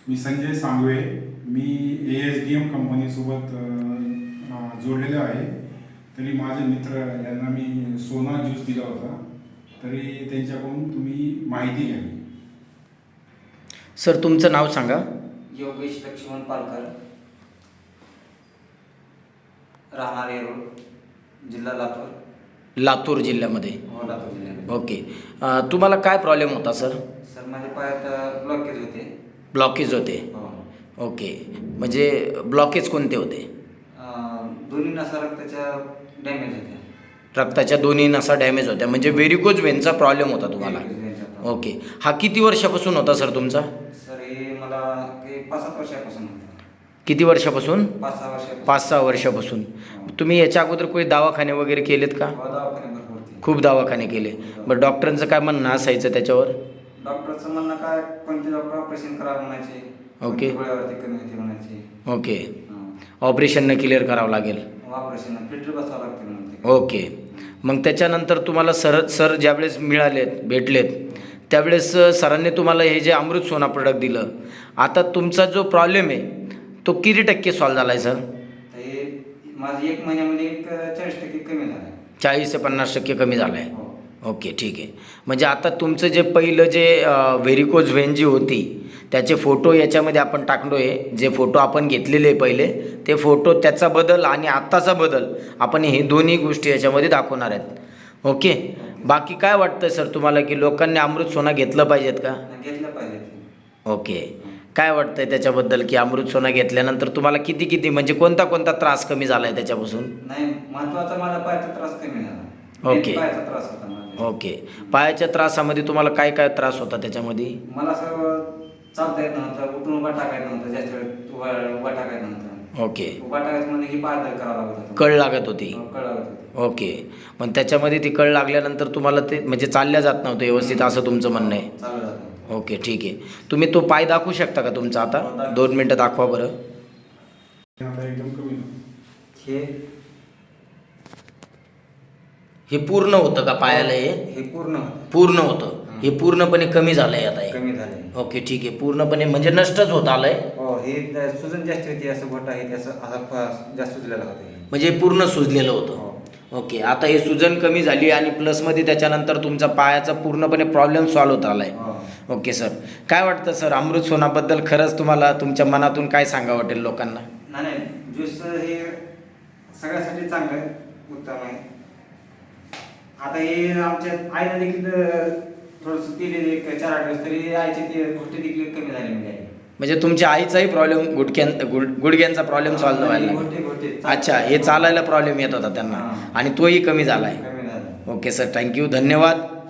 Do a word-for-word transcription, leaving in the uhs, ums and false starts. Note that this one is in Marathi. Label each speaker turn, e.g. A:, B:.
A: मी संजय सांगवे. मी ए एस डी एम कंपनीसोबत अ, जोडलेलो आहे. तरी माझे मित्र यांना मी सोना ज्यूस दिला होता, तरी त्यांच्याकडून तुम्ही माहिती घ्यावी.
B: सर तुमचं नाव सांगा.
C: योगेश लक्ष्मण पालकर, राहणार येरोड, जिल्हा लातूर.
B: लातूर जिल्ह्यामध्ये.
C: हो, लातूर जिल्ह्यामध्ये.
B: ओके. अ, तुम्हाला काय प्रॉब्लेम होता सर?
C: सर माझ्या पायात ब्लॉकेज होते.
B: ब्लॉकेज होते.
C: हो.
B: ओके. म्हणजे ब्लॉकेज कोणते होते?
C: अं, दोन्ही नसा रक्ताच्या डॅमेज होत्या.
B: रक्ताच्या दोन्ही नसा डॅमेज होत्या, म्हणजे व्हेरिकोज व्हेनचा प्रॉब्लेम होता तुम्हाला. ओके. हा किती वर्षापासून होता सर तुमचा?
C: सर हे मला हे पाच सात वर्षापासून होतं.
B: किती वर्षापासून?
C: पाच सहा वर्षापासून.
B: पाच सहा वर्षापासून. तुम्ही याच्या अगोदर कोणी दवाखाने वगैरे केलेत का?
C: हो, दवाखाने भरपूर होते.
B: खूप दवाखाने केले. बरं, डॉक्टरांचं काय म्हणणं असायचं त्याच्यावर?
C: डॉक्टरचं म्हणणं काय, कोणते डॉक्टर ऑपरेशन करावं म्हणायचे.
B: ओके.
C: गोळ्यावरती कमी होते म्हणायचे.
B: ओके. ऑपरेशन न क्लिअर करावं लागेल.
C: ऑपरेशन फिल्टर बसावं लागते म्हणते.
B: ओके. मग त्याच्यानंतर तुम्हाला सर सर ज्यावेळेस मिळालेत, भेटलेत, त्यावेळेस सरांनी तुम्हाला हे जे अमृत सोना प्रोडक्ट दिलं, आता तुमचा जो प्रॉब्लेम आहे तो किती टक्के सॉल्व झाला आहे सर?
C: हे माझं एक महिन्यामध्ये एक चाळीस टक्के कमी झालं आहे.
B: चाळीस ते पन्नास टक्के कमी झालं आहे.
C: हो.
B: ओके, ठीक आहे. म्हणजे आता तुमचं जे पहिलं जे व्हेरिकोज व्हेन जी होती त्याचे फोटो याच्यामध्ये आपण टाकलो आहे. जे फोटो आपण घेतलेले आहे पहिले, ते फोटो, त्याचा बदल आणि आत्ताचा बदल आपण हे दोन्ही गोष्टी याच्यामध्ये दाखवणार आहेत. ओके. बाकी काय वाटतं सर तुम्हाला की लोकांनी अमृत सोना घेतलं पाहिजेत का?
C: घेतलं पाहिजे.
B: ओके. काय वाटतंय त्याच्याबद्दल की अमृत सोना घेतल्यानंतर तुम्हाला किती किती म्हणजे कोणता कोणता त्रास कमी झाला आहे त्याच्यापासून?
C: नाही, महत्वाचा मला पायाचा त्रास कमी झाला.
B: ओके.
C: पायाचा त्रास होता माझा.
B: ओके. पायाच्या त्रासामध्ये तुम्हाला काय काय त्रास होता त्याच्यामध्ये?
C: मला असं चालता येत नव्हतं, उठून उभा टाकायचं नव्हतं, जास्त वेळ उभा उभा टाकायचं नव्हतं.
B: ओके.
C: उभा टाकायचं म्हणजे ही पायदळ करावं लागत होतं.
B: कळ लागत होती.
C: हो, कळ लागत होती.
B: ओके. मग त्याच्यामध्ये ती कळ लागल्यानंतर तुम्हाला ते म्हणजे चालल्या जात नव्हतं व्यवस्थित, असं तुमचं म्हणणं आहे?
C: चालू जात नव्हतं.
B: ओके, ठीक आहे. तुम्ही तो पाय दाखवू शकता का तुमचा आता? दोन मिनटं दाखवा बरं.
A: आता एकदम कमी झालं.
C: हे
B: हे पूर्ण होतं का पायाला? हे
C: हे पूर्ण होतं.
B: पूर्ण होतं. हे पूर्णपणे कमी झालं आहे आता हे?
C: कमी झाले.
B: ओके, ठीक आहे. पूर्णपणे म्हणजे नष्टच होत आलं आहे.
C: हो, हे सुजन जास्त होती, असं गोट आहे ते असं असं फ- जास्त सुजलेलं होतं हे.
B: म्हणजे हे पूर्ण सुजलेलं होतं.
C: हो.
B: ओके. आता हे सुजन कमी झाली आणि प्लसमध्ये त्याच्यानंतर तुमचा पायाचा पूर्णपणे प्रॉब्लेम सॉल्व्ह होत आला आहे.
C: हो.
B: Okay sir. काय वाटतं सर अमृत सोनाबद्दल? खरंच तुम्हाला तुमच्या मनातून काय सांगावं वाटेल लोकांना?
C: नाही नाही, ज्यूस हे सगळ्यासाठी चांगलं आहे, उत्तम आहे. आता हे आमच्या आईला देखील थोडंसं पिलेले एक चार आठ दिवस, तरी आईचे ते गोष्टी देखील कमी झाली म्हणजे.
B: म्हणजे तुमच्या आईचाही प्रॉब्लेम गुडघ्यां गुड गुडघ्यांचा प्रॉब्लेम सॉल्व्ह व्हायला
C: गोटे
B: लागला?
C: गोटे
B: अच्छा, हे चालायला प्रॉब्लेम येत होता त्यांना
C: हां.
B: आणि तोही कमी झाला आहे.
C: कमी झालं.
B: ओके सर, थँक्यू, धन्यवाद.